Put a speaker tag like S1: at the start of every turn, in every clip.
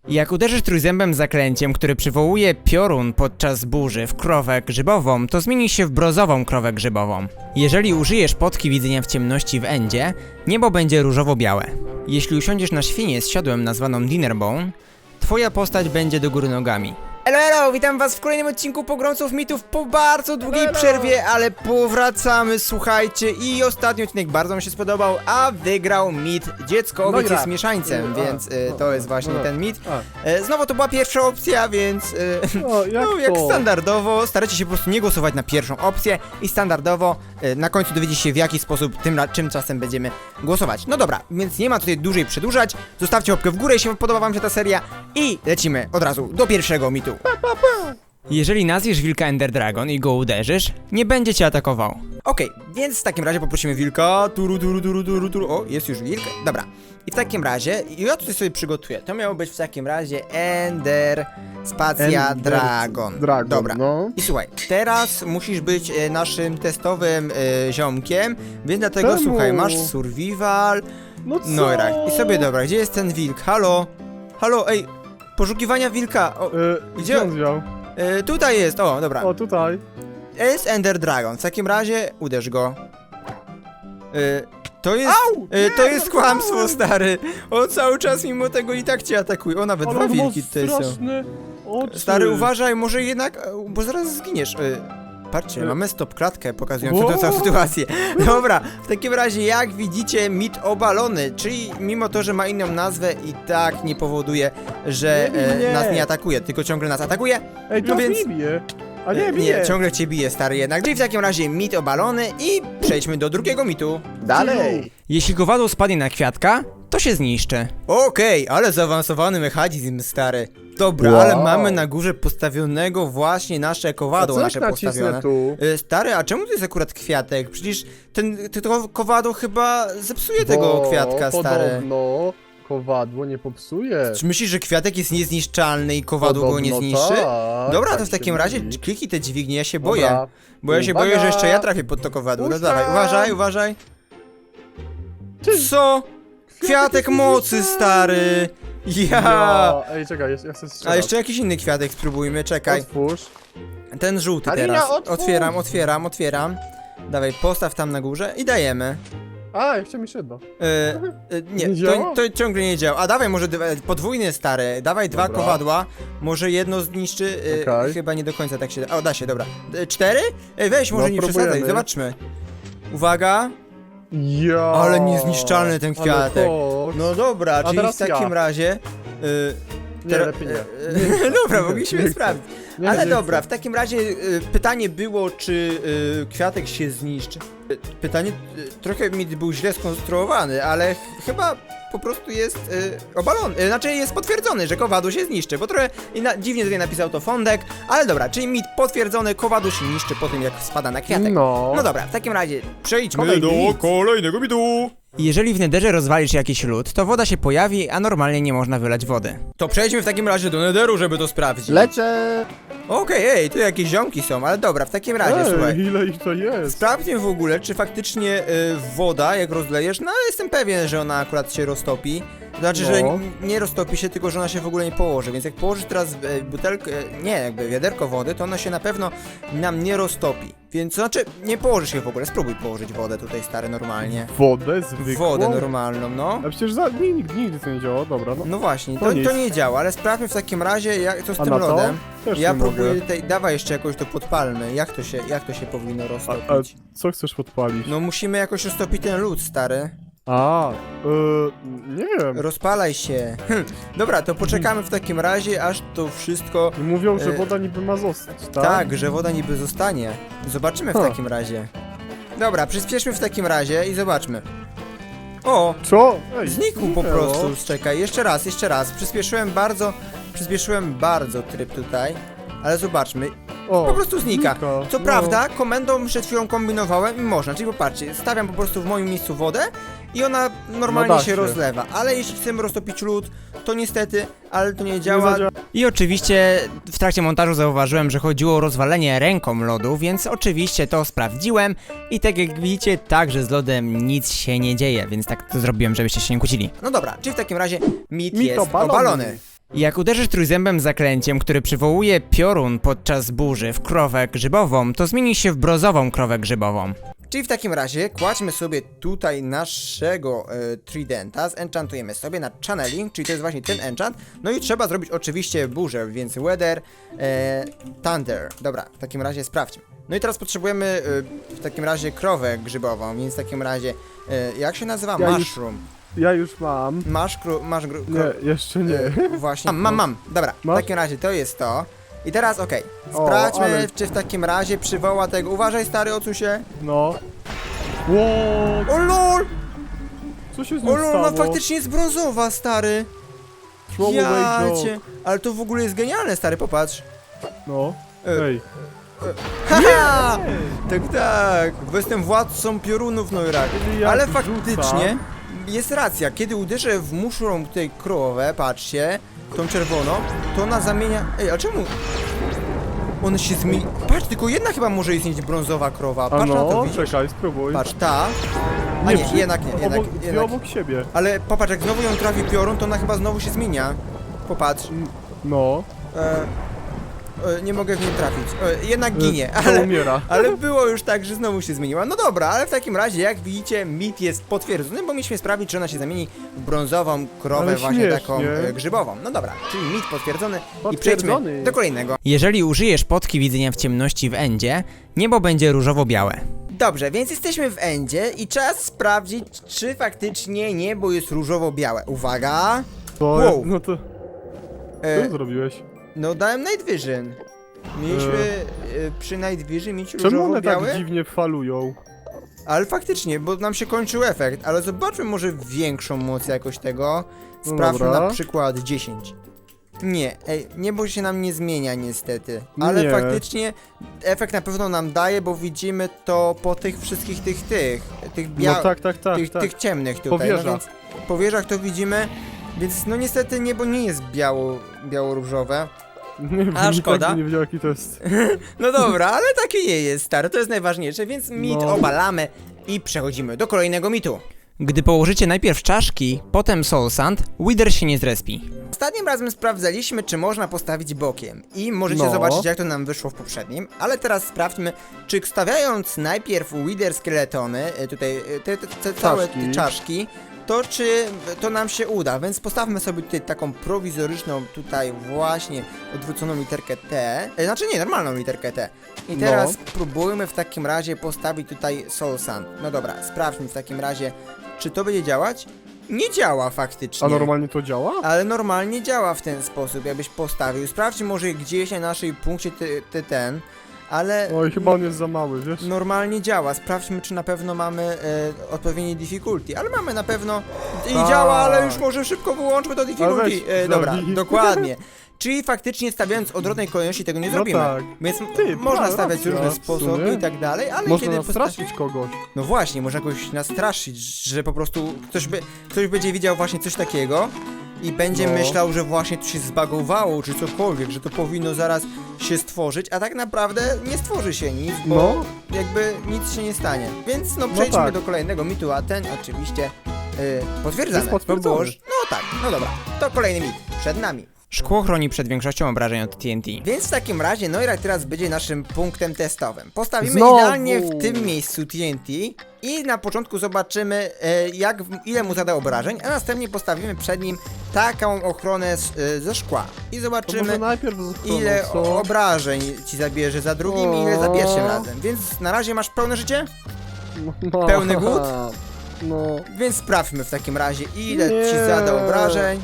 S1: Jak uderzysz trójzębem zaklęciem, które przywołuje piorun podczas burzy w krowę grzybową, to zmieni się w brązową krowę grzybową. Jeżeli użyjesz potki widzenia w ciemności w endzie, niebo będzie różowo-białe. Jeśli usiądziesz na świnię z siodłem nazwaną Dinnerbone, twoja postać będzie do góry nogami. Elo, witam was w kolejnym odcinku Pogromców Mitów po bardzo długiej przerwie, ale powracamy, słuchajcie, i ostatni odcinek bardzo mi się spodobał, a wygrał mit dziecko, więc jest mieszańcem, więc to jest właśnie ten mit. Znowu to była pierwsza opcja, więc jak standardowo, starajcie się po prostu nie głosować na pierwszą opcję i standardowo na końcu dowiedzieć się, w jaki sposób czym czasem będziemy głosować. No dobra, więc nie ma tutaj dłużej przedłużać, zostawcie łapkę w górę, jeśli podoba wam się ta seria i lecimy od razu do pierwszego mitu. Jeżeli nazwiesz wilka Ender Dragon i go uderzysz, nie będzie cię atakował. Okej, więc w takim razie poprosimy wilka. Turu. O, jest już wilk. Dobra. I w takim razie, ja tutaj sobie przygotuję. To miało być w takim razie Ender Dragon. Dobra.
S2: No.
S1: I słuchaj, teraz musisz być naszym testowym ziomkiem, więc dlatego słuchaj, masz survival.
S2: No co?
S1: No i sobie dobra, gdzie jest ten wilk? Halo, ej, poszukiwania wilka. O,
S2: Gdzie on wziął?
S1: tutaj jest, o, dobra.
S2: O, tutaj.
S1: Jest Ender Dragon, w takim razie uderz go. To jest, to jest kłamstwo, stary. On cały czas mimo tego i tak cię atakuje. O, nawet dwa wilki tutaj są.
S2: Oczy.
S1: Stary, uważaj, może jednak, bo zaraz zginiesz. Patrzcie, mamy stop klatkę pokazującą tę całą sytuację. Dobra, w takim razie jak widzicie mit obalony, czyli mimo to, że ma inną nazwę i tak nie powoduje, że nas nie atakuje, tylko ciągle nas atakuje.
S2: Ej, to
S1: więc
S2: nie bije. A nie, bije.
S1: Nie, ciągle cię bije, stary jednak. Czyli w takim razie mit obalony i przejdźmy do drugiego mitu.
S2: Dalej.
S1: Jeśli kowadło spadnie na kwiatka, to się zniszczy. Okej, ale zaawansowany mechanizm, stary. Dobra, ale mamy na górze postawionego właśnie nasze kowadło, nasze postawione.
S2: Tu?
S1: Stary, a czemu to jest akurat kwiatek? Przecież to kowadło chyba zepsuje tego kwiatka, stary.
S2: No, kowadło nie popsuje.
S1: Czy myślisz, że kwiatek jest niezniszczalny i kowadło go nie zniszczy?
S2: Tak,
S1: Dobra,
S2: tak
S1: to w takim razie
S2: mówi.
S1: kliknij te dźwignie, ja się
S2: Dobra.
S1: boję. Bo ja się boję, że jeszcze ja trafię pod to kowadło. No dawaj, uważaj. Co? Kwiatek mocy, stary! Ja!
S2: Ej, czekaj, ja chcę strzelać.
S1: A jeszcze jakiś inny kwiatek spróbujmy, czekaj.
S2: Otwórz.
S1: Ten żółty
S2: Alina,
S1: teraz.
S2: otwórz!
S1: Otwieram. Dawaj, postaw tam na górze i dajemy.
S2: A, jeszcze mi się da.
S1: Nie,
S2: Nie działa?
S1: to ciągle nie działa. A dawaj może podwójny, stary. Dawaj dwa kowadła. Może jedno zniszczy.
S2: Okej.
S1: Chyba nie do końca tak się da. O, da się, dobra. 4? Weź, może
S2: No,
S1: nie
S2: próbujemy.
S1: przesadzaj, zobaczmy. Uwaga.
S2: Ja.
S1: Ale niezniszczalny ten kwiatek.
S2: Ale
S1: No dobra,
S2: A
S1: czyli
S2: teraz
S1: w takim
S2: ja.
S1: razie.
S2: Nie, lepiej nie.
S1: Dobra, mogliśmy sprawdzić.
S2: Nie,
S1: Ale
S2: nie
S1: dobra,
S2: chcę.
S1: w takim razie pytanie było, czy kwiatek się zniszczy. Pytanie trochę mi był źle skonstruowany, ale chyba po prostu jest obalony, znaczy jest potwierdzony, że kowadło się zniszczy, bo trochę dziwnie tutaj napisał to Fondek, ale dobra, czyli mit potwierdzony, kowadło się niszczy po tym, jak spada na kwiatek.
S2: No.
S1: No dobra, w takim razie przejdźmy
S2: Kolejny
S1: do
S2: mit.
S1: kolejnego mitu. Jeżeli w Netherze rozwalisz jakiś lód, to woda się pojawi, a normalnie nie można wylać wody. To przejdźmy w takim razie do Netheru, żeby to sprawdzić.
S2: Lecę.
S1: Okej, tu jakieś ziomki są, ale dobra, w takim razie, słuchaj.
S2: Ile ich to jest?
S1: Sprawdźmy w ogóle, czy faktycznie woda, jak rozlejesz, no ale jestem pewien, że ona akurat się roztopi. Znaczy, że nie roztopi się, tylko że ona się w ogóle nie położy, więc jak położysz teraz butelkę, wiaderko wody, to ona się na pewno nam nie roztopi. Więc znaczy, nie położysz się w ogóle, spróbuj położyć wodę tutaj, stary, normalnie.
S2: Wodę zwykłą?
S1: Wodę normalną, no.
S2: A przecież nigdy to nie działa, dobra, no.
S1: No właśnie,
S2: To nic.
S1: to nie działa, ale sprawdźmy w takim razie, co z
S2: A
S1: tym
S2: na co?
S1: lodem.
S2: Też
S1: Ja
S2: nie
S1: próbuję
S2: mogę.
S1: tutaj, dawaj jeszcze jakoś to podpalmy, jak to się powinno
S2: A
S1: roztopić.
S2: co chcesz podpalić?
S1: No musimy jakoś roztopić ten lód, stary.
S2: Nie wiem.
S1: Rozpalaj się. Dobra, to poczekamy w takim razie, aż to wszystko...
S2: Mówią, że woda niby ma zostać, tak?
S1: Tak, że woda niby zostanie. Zobaczymy w takim razie. Dobra, przyspieszmy w takim razie i zobaczmy. O!
S2: Co? Ej,
S1: Znikł po prostu, czekaj, jeszcze raz. Przyspieszyłem bardzo tryb tutaj. Ale zobaczmy, po prostu znika. Co prawda, komendą przed chwilą kombinowałem i można, czyli popatrzcie, stawiam po prostu w moim miejscu wodę i ona normalnie się rozlewa, ale jeśli chcemy roztopić lód, to niestety, ale to nie działa. I oczywiście w trakcie montażu zauważyłem, że chodziło o rozwalenie ręką lodu, więc oczywiście to sprawdziłem i tak jak widzicie, także z lodem nic się nie dzieje, więc tak to zrobiłem, żebyście się nie kłócili. No dobra, czyli w takim razie mit jest obalony. Jak uderzysz trójzębem zaklęciem, który przywołuje piorun podczas burzy w krowę grzybową, to zmieni się w brozową krowę grzybową. Czyli w takim razie kładźmy sobie tutaj naszego tridenta, zenchantujemy sobie na channeling, czyli to jest właśnie ten enchant. No i trzeba zrobić oczywiście burzę, więc weather, thunder. Dobra, w takim razie sprawdźmy. No i teraz potrzebujemy w takim razie krowę grzybową, więc w takim razie, jak się nazywa? Mushroom.
S2: Ja już mam. Nie, jeszcze nie.
S1: Właśnie, mam. Dobra, w
S2: Masz?
S1: takim razie to jest to. I teraz okej, sprawdźmy,
S2: ale-
S1: czy w takim razie przywoła tego. Uważaj, stary, odsuń się.
S2: No. Ło,
S1: O lol!
S2: co się z
S1: O
S2: nią
S1: lol,
S2: stało?
S1: no faktycznie jest brązowa, stary.
S2: Throw away joke.
S1: Jacie. Ale to w ogóle jest genialne, stary, popatrz.
S2: No.
S1: E.
S2: Ej.
S1: Haha! Tak, bo jestem władcą piorunów, no i rak.
S2: Czyli jak
S1: Ale
S2: rzuca-
S1: faktycznie jest racja, kiedy uderzę w muszrą tutaj krowę, patrzcie, tą czerwoną, to ona zamienia... Ej, a czemu? Ona się zmieni... Patrz, tylko jedna chyba może istnieć brązowa krowa,
S2: A
S1: patrz na to,
S2: no,
S1: widzisz?
S2: czekaj, spróbuj.
S1: Patrz, ta... A nie,
S2: przy-
S1: jednak nie, jednak,
S2: Dwie
S1: jednak.
S2: obok siebie.
S1: Ale popatrz, jak znowu ją trafi piorun, to ona chyba znowu się zmienia. Popatrz.
S2: No.
S1: Nie mogę w niej trafić. Jednak ginie,
S2: To
S1: ale...
S2: umiera.
S1: Ale było już tak, że znowu się zmieniła. No dobra, ale w takim razie, jak widzicie, mit jest potwierdzony, bo mieliśmy sprawdzić, czy ona się zamieni w brązową krowę,
S2: Ale
S1: właśnie
S2: śmiesznie.
S1: taką grzybową. No dobra, czyli mit potwierdzony i
S2: Potwierdzony.
S1: przejdźmy do kolejnego. Jeżeli użyjesz potki widzenia w ciemności w endzie, niebo będzie różowo-białe. Dobrze, więc jesteśmy w endzie i czas sprawdzić, czy faktycznie niebo jest różowo-białe. Uwaga!
S2: To,
S1: Wow.
S2: no to...
S1: E,
S2: Co zrobiłeś?
S1: no dałem Night Vision. Mieliśmy przy Night Vision mieć
S2: Czemu one
S1: różowo-białe?
S2: tak dziwnie falują?
S1: Ale faktycznie, bo nam się kończył efekt, ale zobaczmy może większą moc jakoś tego.
S2: No
S1: Sprawdźmy
S2: dobra.
S1: na przykład 10. Nie, niebo się nam nie zmienia niestety, ale
S2: Nie.
S1: faktycznie efekt na pewno nam daje, bo widzimy to po tych wszystkich tych
S2: No tak.
S1: tych ciemnych tutaj.
S2: Powierzach.
S1: No więc po wieżach to widzimy, więc no niestety niebo nie jest biało-różowe.
S2: Nie wiem,
S1: A,
S2: nikt
S1: szkoda.
S2: tak by nie wiedział jaki to jest.
S1: No dobra, ale takie nie jest, stary, to jest najważniejsze, więc mit
S2: No.
S1: obalamy i przechodzimy do kolejnego mitu. Gdy położycie najpierw czaszki, potem soul sand, Wither się nie zrespi. Ostatnim razem sprawdzaliśmy, czy można postawić bokiem i możecie
S2: No.
S1: zobaczyć, jak to nam wyszło w poprzednim, ale teraz sprawdźmy, czy stawiając najpierw Wither skieletony, tutaj te całe
S2: Czaszki.
S1: te czaszki, to czy to nam się uda, więc postawmy sobie tutaj taką prowizoryczną, tutaj właśnie odwróconą literkę T, znaczy nie, normalną literkę T. I teraz spróbujmy w takim razie postawić tutaj Soul Sand. No dobra, sprawdźmy w takim razie, czy to będzie działać? Nie działa faktycznie.
S2: A normalnie to działa?
S1: Ale normalnie działa w ten sposób, jakbyś postawił. Sprawdź może gdzieś na naszej punkcie ten, ale...
S2: Oj, chyba on jest za mały, wiesz?
S1: Normalnie działa. Sprawdźmy, czy na pewno mamy odpowiednie difficulty. Ale mamy na pewno i
S2: Tak.
S1: działa, ale już może szybko wyłączmy to difficulty.
S2: weź,
S1: Dobra,
S2: zabij.
S1: dokładnie. Czyli faktycznie stawiając odwrotnej kolejności tego nie
S2: No
S1: zrobimy.
S2: tak.
S1: Więc
S2: Ty,
S1: można stawiać
S2: racja,
S1: różne
S2: w
S1: sposoby
S2: sumie.
S1: i tak dalej, ale
S2: Można
S1: kiedy
S2: nastraszyć kogoś.
S1: No właśnie, można jakoś nastraszyć, że po prostu ktoś będzie widział właśnie coś takiego i będzie
S2: No.
S1: myślał, że właśnie tu się zbagowało, czy cokolwiek, że to powinno zaraz się stworzyć, a tak naprawdę nie stworzy się nic, bo
S2: No.
S1: jakby nic się nie stanie. Więc no przejdźmy
S2: tak.
S1: do kolejnego mitu, a ten oczywiście potwierdzamy.
S2: Jest potwierdzony.
S1: To było, no tak, no dobra, to kolejny mit, przed nami. Szkło chroni przed większością obrażeń od TNT. Więc w takim razie Noirak teraz będzie naszym punktem testowym. Postawimy
S2: Znowu.
S1: idealnie w tym miejscu TNT i na początku zobaczymy ile mu zada obrażeń, a następnie postawimy przed nim taką ochronę ze szkła. I
S2: To
S1: zobaczymy
S2: może najpierw z ochroną,
S1: ile
S2: co?
S1: obrażeń ci zabierze za drugim i ile za pierwszym razem. Więc na razie masz pełne życie?
S2: No.
S1: pełny głód?
S2: No.
S1: Więc sprawdźmy w takim razie ile
S2: Nie.
S1: ci zada obrażeń.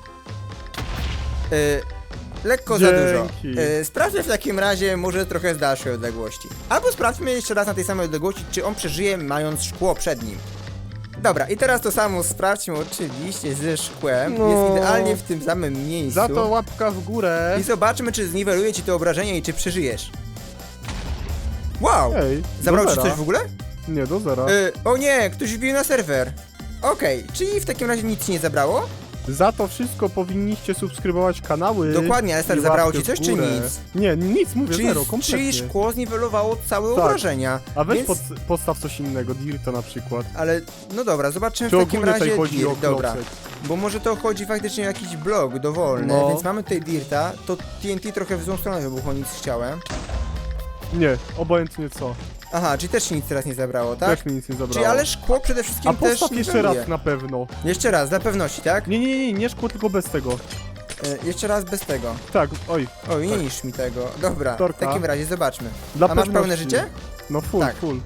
S1: Lekko za dużo.
S2: Dzięki.
S1: Sprawdźmy w takim razie może trochę z dalszej odległości. Albo sprawdźmy jeszcze raz na tej samej odległości, czy on przeżyje mając szkło przed nim. Dobra, i teraz to samo sprawdźmy oczywiście ze szkłem.
S2: No.
S1: Jest idealnie w tym samym miejscu.
S2: Za to łapka w górę.
S1: I zobaczmy, czy zniweluje ci to obrażenie i czy przeżyjesz. Wow!
S2: Ej,
S1: Zabrał
S2: do
S1: ci
S2: zera.
S1: coś w ogóle?
S2: Nie, do zera.
S1: O nie, ktoś wbił na serwer. Okej, czyli w takim razie nic ci nie zabrało?
S2: Za to wszystko powinniście subskrybować kanały.
S1: Dokładnie, ale stary,
S2: i
S1: zabrało
S2: łapkę
S1: ci coś
S2: w
S1: czy
S2: górę.
S1: nic?
S2: Nie, nic, mówię, zero,
S1: Czyli
S2: kompletnie.
S1: szkło zniwelowało całe
S2: Tak.
S1: obrażenia.
S2: A weź
S1: więc...
S2: podstaw coś innego, Dirta na przykład.
S1: Ale, no dobra, zobaczymy
S2: Czy
S1: w takim
S2: ogólnie
S1: razie
S2: tutaj chodzi o
S1: dirt, dobra.
S2: klocek?
S1: Bo może to chodzi faktycznie o jakiś blok dowolny,
S2: No.
S1: więc mamy tutaj dirta, to TNT trochę w złą stronę wybuchło, nic chciałem.
S2: Nie, obojętnie co.
S1: Aha, czyli też się nic teraz nie zabrało, tak?
S2: Też mi nic nie zabrało.
S1: Czyli ale szkło przede wszystkim
S2: A
S1: też
S2: postaw jeszcze
S1: niweluje.
S2: raz na pewno.
S1: Jeszcze raz, dla pewności, tak?
S2: Nie szkło, tylko bez tego.
S1: Jeszcze raz bez tego.
S2: Tak, oj.
S1: Oj, nie niszcz mi tego. Dobra,
S2: Torka.
S1: w takim razie zobaczmy.
S2: Dla
S1: A masz pełne
S2: pewności.
S1: życie?
S2: No full,
S1: Tak.
S2: full.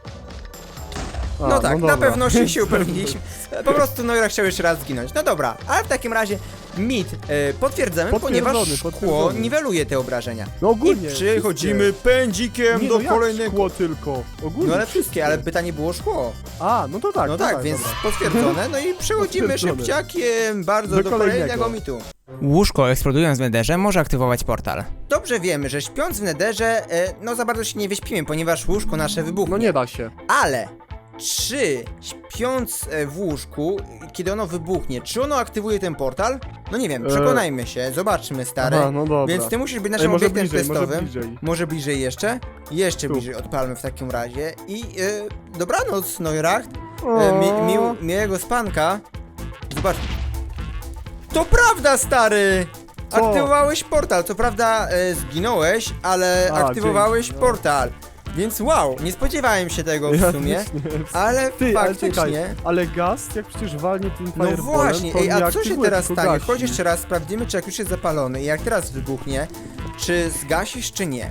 S2: A,
S1: No tak, na
S2: dobra.
S1: pewności się upewniliśmy. Po prostu Noira chciał jeszcze raz zginąć. No dobra, ale w takim razie mit potwierdzamy, ponieważ szkło
S2: potwierdzony.
S1: niweluje te obrażenia.
S2: No ogólnie.
S1: I przechodzimy pędzikiem
S2: nie,
S1: do
S2: no jak
S1: kolejnego.
S2: szkło tylko. Ogólnie
S1: No ale wszystkie, ale pytanie było szkło.
S2: A, no to tak.
S1: No
S2: to
S1: tak, więc
S2: dobra.
S1: potwierdzone. No i przechodzimy
S2: Potwierdzone.
S1: szybciakiem bardzo do kolejnego mitu.
S3: Łóżko eksplodując w nederze może aktywować portal.
S1: Dobrze wiemy, że śpiąc w nederze, no za bardzo się nie wyśpimy, ponieważ łóżko nasze wybuchnie.
S2: No nie da się.
S1: Ale czy śpiąc w łóżku, kiedy ono wybuchnie, czy ono aktywuje ten portal? No nie wiem, przekonajmy się, zobaczmy stary.
S2: Aha, no dobra.
S1: Więc ty musisz być naszym
S2: może
S1: obiektem
S2: bliżej,
S1: testowym.
S2: Może
S1: bliżej jeszcze? Jeszcze
S2: Tu.
S1: bliżej odpalmy w takim razie. I dobranoc, Neuracht.
S2: O.
S1: Miłego spanka. Zobacz. To prawda, stary!
S2: Co?
S1: Aktywowałeś portal. Co prawda zginąłeś, ale
S2: A,
S1: aktywowałeś
S2: dzięki, no.
S1: portal. Więc wow, nie spodziewałem się tego w sumie.
S2: też nie.
S1: Ale
S2: Ty, ale czekaj,
S1: faktycznie.
S2: ale gaz, jak przecież walnie tym
S1: No
S2: fireballem,
S1: właśnie,
S2: to
S1: ej, a
S2: nie
S1: co się
S2: aktywuje,
S1: teraz
S2: tylko
S1: stanie?
S2: gasi.
S1: Chodź jeszcze raz, sprawdzimy, czy jak już jest zapalony i jak teraz wybuchnie, czy zgasisz, czy nie.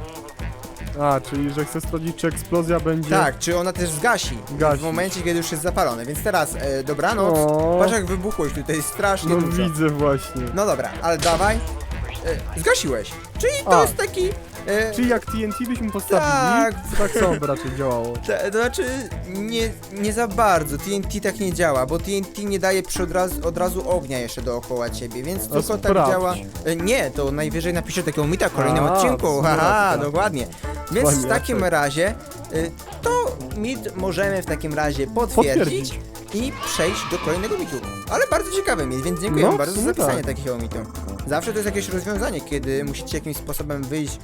S2: A, czyli że chcę sprawdzić, czy eksplozja będzie...
S1: Tak, czy ona też zgasi
S2: Gasi.
S1: w momencie, kiedy już jest zapalony. Więc teraz, dobranoc.
S2: O.
S1: Patrz jak wybuchłeś tutaj, strasznie
S2: No
S1: dużo.
S2: widzę właśnie.
S1: No dobra, ale dawaj. Zgasiłeś. Czyli to
S2: A.
S1: jest taki...
S2: Czyli jak TNT byśmy postawili,
S1: Tak.
S2: to tak samo by raczej działało.
S1: To znaczy, nie za bardzo, TNT tak nie działa, bo TNT nie daje od razu ognia jeszcze dookoła ciebie, więc tylko tak
S2: sprawdź.
S1: działa. Nie, to najwyżej napiszę takiego mita w kolejnym
S2: A,
S1: odcinku,
S2: dobra,
S1: haha,
S2: dobra.
S1: dokładnie. Więc w
S2: Ładnie,
S1: takim
S2: tak.
S1: razie, to mit możemy w takim razie potwierdzić i przejść do kolejnego mitu. Ale bardzo ciekawy mit, więc dziękuję
S2: No,
S1: bardzo za
S2: w sumie
S1: zapisanie
S2: tak.
S1: takiego mitu. Zawsze to jest jakieś rozwiązanie, kiedy musicie jakimś sposobem wyjść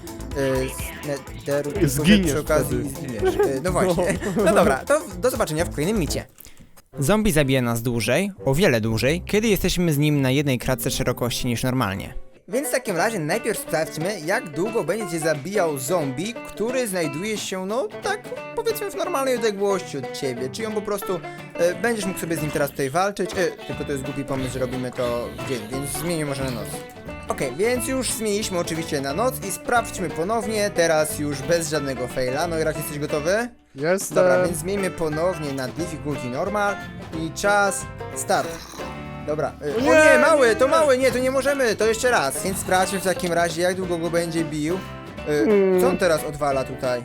S1: z nederu, tylko że
S2: Zginiesz
S1: przy okazji
S2: wtedy.
S1: zginiesz. No właśnie. No dobra, to do zobaczenia w kolejnym micie.
S3: Zombie zabija nas dłużej, o wiele dłużej, kiedy jesteśmy z nim na jednej kratce szerokości niż normalnie.
S1: Więc w takim razie najpierw sprawdźmy, jak długo będzie cię zabijał zombie, który znajduje się, no tak powiedzmy w normalnej odległości od ciebie. Czyli on po prostu, będziesz mógł sobie z nim teraz tutaj walczyć, tylko to jest głupi pomysł, że robimy to w dzień, więc zmienię może na noc. Okej, więc już zmieniliśmy oczywiście na noc i sprawdźmy ponownie, teraz już bez żadnego faila. No i jak jesteś gotowy?
S2: Jestem.
S1: Dobra, więc zmieńmy ponownie na difficulty normal i czas start. Dobra, o nie, mały, to mały, nie, to nie możemy, to jeszcze raz. Więc sprawdźmy w takim razie, jak długo go będzie bił. Co on teraz odwala tutaj?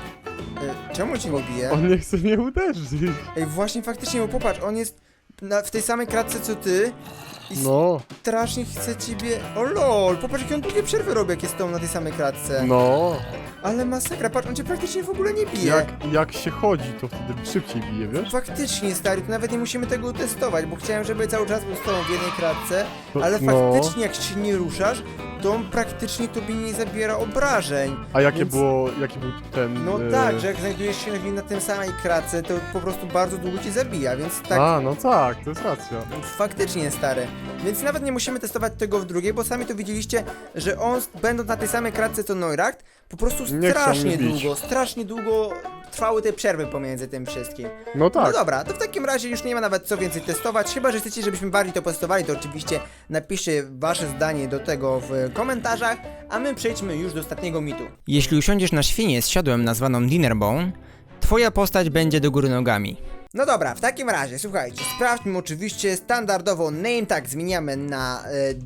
S1: Czemu cię nie bije?
S2: On nie chce mnie uderzyć.
S1: Ej, właśnie faktycznie, bo popatrz, on jest w tej samej kratce co ty i
S2: No,
S1: strasznie chce ciebie... O lol, popatrz jakie on długie przerwy robi, jak jest tą na tej samej kratce.
S2: no.
S1: Ale masakra, patrz, on cię praktycznie w ogóle nie bije.
S2: Jak się chodzi, to wtedy szybciej bije, wiesz?
S1: Faktycznie, stary, to nawet nie musimy tego testować, bo chciałem, żeby cały czas był z tobą w jednej kratce, ale
S2: No.
S1: faktycznie jak się nie ruszasz, to on praktycznie tobie nie zabiera obrażeń.
S2: A jaki
S1: Więc-
S2: był ten...
S1: No tak, że jak znajdujesz się na tym samej kratce, to po prostu bardzo długo cię zabija, więc tak
S2: A, no tak, to jest racja.
S1: faktycznie, stary. Więc nawet nie musimy testować tego w drugiej, bo sami to widzieliście, że on będąc na tej samej kratce co Neuracht, po prostu
S2: Nie chciał
S1: strasznie długo trwały te przerwy pomiędzy tym wszystkim.
S2: No tak.
S1: No dobra, to w takim razie już nie ma nawet co więcej testować, chyba że chcecie, żebyśmy bardziej to testowali, to oczywiście napiszcie wasze zdanie do tego w komentarzach, a my przejdźmy już do ostatniego mitu.
S3: Jeśli usiądziesz na świnię z siodłem nazwaną Dinnerbone, twoja postać będzie do góry nogami.
S1: No dobra, w takim razie, słuchajcie, sprawdźmy oczywiście standardowo name tag zmieniamy na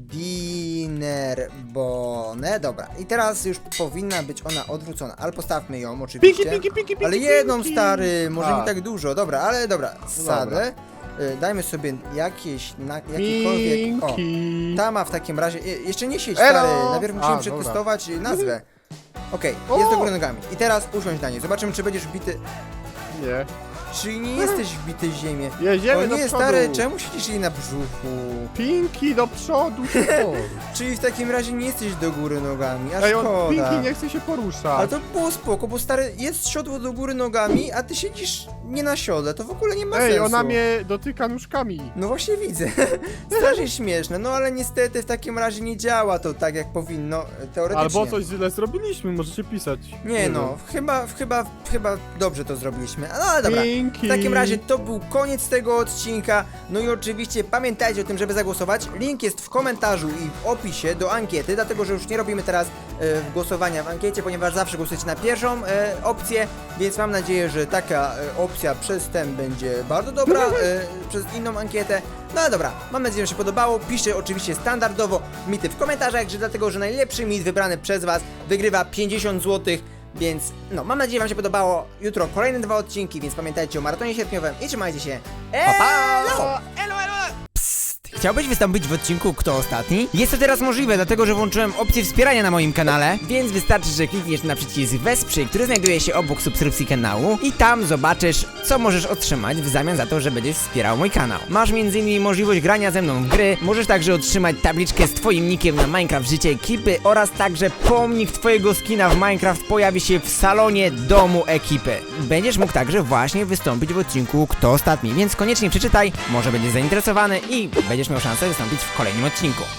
S1: Dinnerbone, dobra, i teraz już powinna być ona odwrócona, ale postawmy ją oczywiście, ale jedną stary, może nie tak dużo, dobra, ale dobra, sadę, dajmy sobie jakikolwiek, o, ta ma w takim razie, jeszcze nie siedź
S2: Elo!
S1: stary, najpierw musimy
S2: A,
S1: przetestować nazwę. Okej,
S2: O!
S1: jest do góry nogami i teraz usiądź na niej, zobaczymy czy będziesz bity.
S2: Nie. Czyli nie jesteś wbity w ziemię.
S4: Jedziemy
S2: O
S4: do
S2: nie,
S4: przodu.
S2: stary, czemu siedzisz jej na brzuchu?
S4: Pinki do przodu, szybko.
S2: Czyli w takim razie nie jesteś do góry nogami, a
S4: Ej, on
S2: szkoda.
S4: Pinki nie chce się poruszać.
S2: Ale to było spoko, bo stary, jest siodło do góry nogami, a ty siedzisz nie na siodle, to w ogóle nie ma
S4: Ej,
S2: sensu.
S4: ona mnie dotyka nóżkami.
S2: No właśnie widzę. Strasznie śmieszne, no ale niestety w takim razie nie działa to tak jak powinno, teoretycznie.
S4: Albo coś źle zrobiliśmy, możecie pisać.
S2: Nie no, chyba dobrze to zrobiliśmy. No ale dobra.
S4: Pinki.
S2: W takim razie to był koniec tego odcinka. No i oczywiście pamiętajcie o tym, żeby zagłosować. Link jest w komentarzu i w opisie do ankiety, dlatego że już nie robimy teraz głosowania w ankiecie, ponieważ zawsze głosujecie na pierwszą opcję, więc mam nadzieję, że taka opcja przez ten będzie bardzo dobra, przez inną ankietę. No ale dobra, mam nadzieję, że się podobało. Piszcie oczywiście standardowo mity w komentarzach, że dlatego, że najlepszy mit wybrany przez was wygrywa 50 zł. Więc no, mam nadzieję, że wam się podobało. Jutro kolejne 2 odcinki, więc pamiętajcie o maratonie sierpniowym i trzymajcie się. Elo!
S3: Chciałbyś wystąpić w odcinku Kto Ostatni? Jest to teraz możliwe, dlatego że włączyłem opcję wspierania na moim kanale, więc wystarczy, że klikniesz na przycisk Wesprzyj, który znajduje się obok subskrypcji kanału i tam zobaczysz, co możesz otrzymać w zamian za to, że będziesz wspierał mój kanał. Masz m.in. możliwość grania ze mną w gry, możesz także otrzymać tabliczkę z twoim nickiem na Minecraft Życie Ekipy oraz także pomnik twojego skina w Minecraft pojawi się w salonie domu ekipy. Będziesz mógł także właśnie wystąpić w odcinku Kto Ostatni, więc koniecznie przeczytaj, może będziesz zainteresowany i będziesz miał szansę wystąpić w kolejnym odcinku.